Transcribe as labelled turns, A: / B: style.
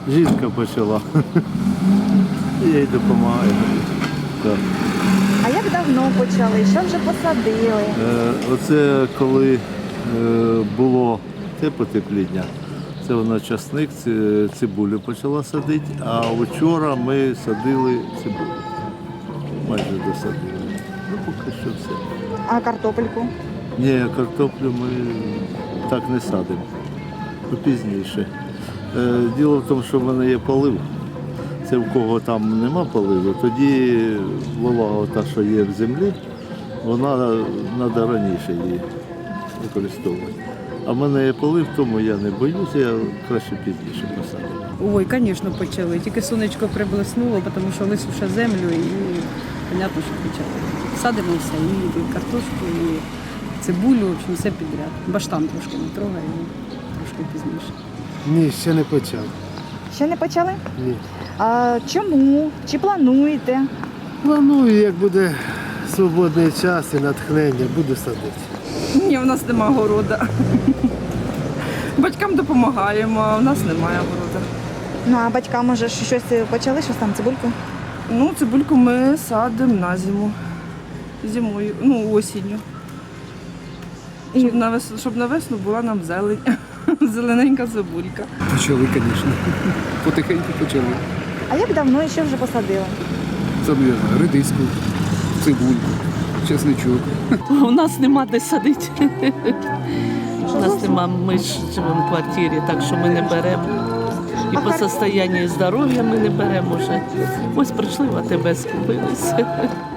A: Жінка почала. Я їй допомагаю. Так.
B: А як давно почали? Що вже посадили?
A: Оце коли було те потепління, це вона часник, цибулю почала садити, а вчора ми садили цибулю. Майже досадили. Ну, поки що все.
B: А картопельку?
A: Ні, картоплю ми так не садимо. Пізніше. Діло в тому, що в мене є полив. Це в кого там нема поливу, тоді волога, та, що є в землі, вона треба раніше її використовувати. А в мене є полив, тому я не боюся, я краще пізніше посадив.
C: Ой, звісно, почали. Тільки сонечко приблиснуло, тому що висуша землю і, понятно, що почали. Садимо все, і картошку, і цибулю, в общем, все підряд. Баштан трошки не трогаємо, трошки пізніше.
D: Ні, ще не почав.
B: Ще не почали?
D: Ні.
B: А чому? Чи плануєте?
D: Планую, як буде свободний час і натхнення, буду садити.
E: Ні, у нас нема города. Батькам допомагаємо, а у нас немає города.
B: Ну, а батькам, може, щось почали, щось там, цибульку?
E: Ну, цибульку ми садимо на зиму. Зимою, осінню. Щоб на весну була нам зелень. Зелененька цибулька.
F: Почали, звісно. Потихеньку почали.
B: А як давно і що вже посадили?
F: Садили редиску, цибульку, чесничок.
G: У нас нема де садити. У нас нема, ми ж живемо в квартирі, так що ми не беремо. І по состоянню здоров'я ми не беремо вже. Ось прийшли в АТБ, скупилися.